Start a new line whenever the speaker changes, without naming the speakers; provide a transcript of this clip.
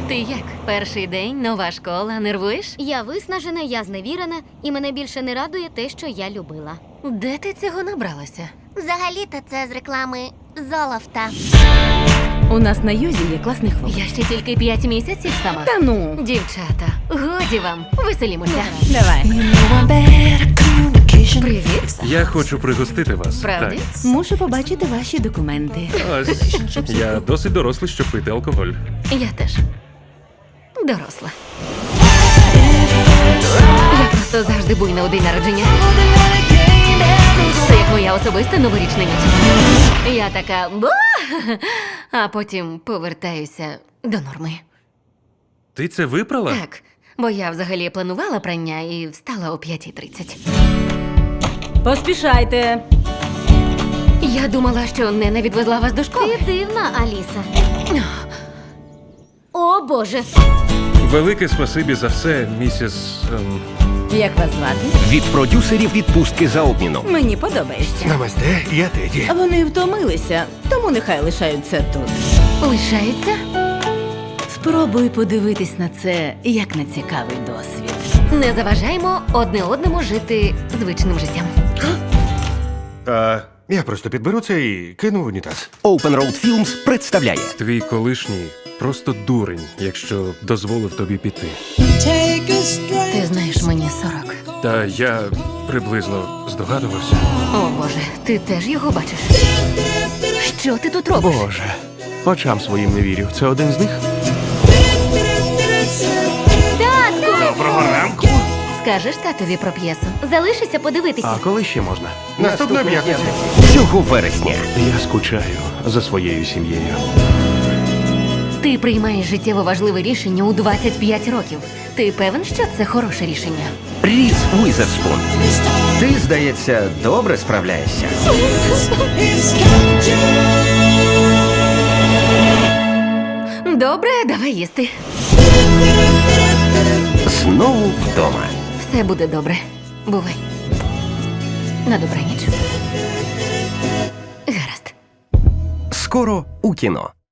Ти як? Перший день, нова школа, нервуєш?
Я виснажена, я зневірена, і мене більше не радує те, що я любила.
Де ти цього набралася?
Взагалі-то це з реклами Золофта.
У нас на юзі є класний хлопець.
Я ще тільки 5 місяців сама.
Та ну,
Дівчата, годі вам, веселімося.
давай.
Привіт.
Я хочу пригостити вас.
Правди?
Мушу побачити ваші документи.
Так. Ось. Я досить дорослий, щоб пити алкоголь.
Я теж. Доросла. Я просто завжди буйна у день народження. Це як моя особиста новорічна ніч. Я така «Ба!», а потім повертаюся до норми.
Ти це випрала?
Так, бо я взагалі планувала прання і встала о 5:30.
Поспішайте.
Я думала, що Нена відвезла вас до школи.
Ти дивна, Аліса. О, Боже!
Велике спасибі за все, місіс...
Як вас звати?
Від продюсерів відпустки за обміном.
Мені подобається.
Намасте, я Теді.
Вони втомилися, тому нехай лишаються тут.
Лишається?
Спробуй подивитись на це як на цікавий досвід.
Не заважаємо одне одному жити звичним життям.
Я просто підберу це і кину в унітаз.
Open Road Films представляє
Твій колишній просто дурень, якщо дозволив тобі піти.
Ти знаєш, мені 40.
Та я приблизно здогадувався.
О, Боже, ти теж його бачиш? Що ти тут робиш?
Боже, очам своїм не вірю. Це один з них? Доброго ранку.
Скажеш татові про п'єсу?
Залишися подивитися.
А коли ще можна? Наступної п'ятниці.
цього вересня.
Я скучаю за своєю сім'єю.
Ти приймаєш життєво важливе рішення у 25 років. Ти певен, що це хороше рішення?
Різ Уізерспун. Ти, здається, добре справляєшся.
Добре, давай їсти.
Знову вдома.
Все буде добре. Бувай. На добраніч. Гаразд.
Скоро у кіно.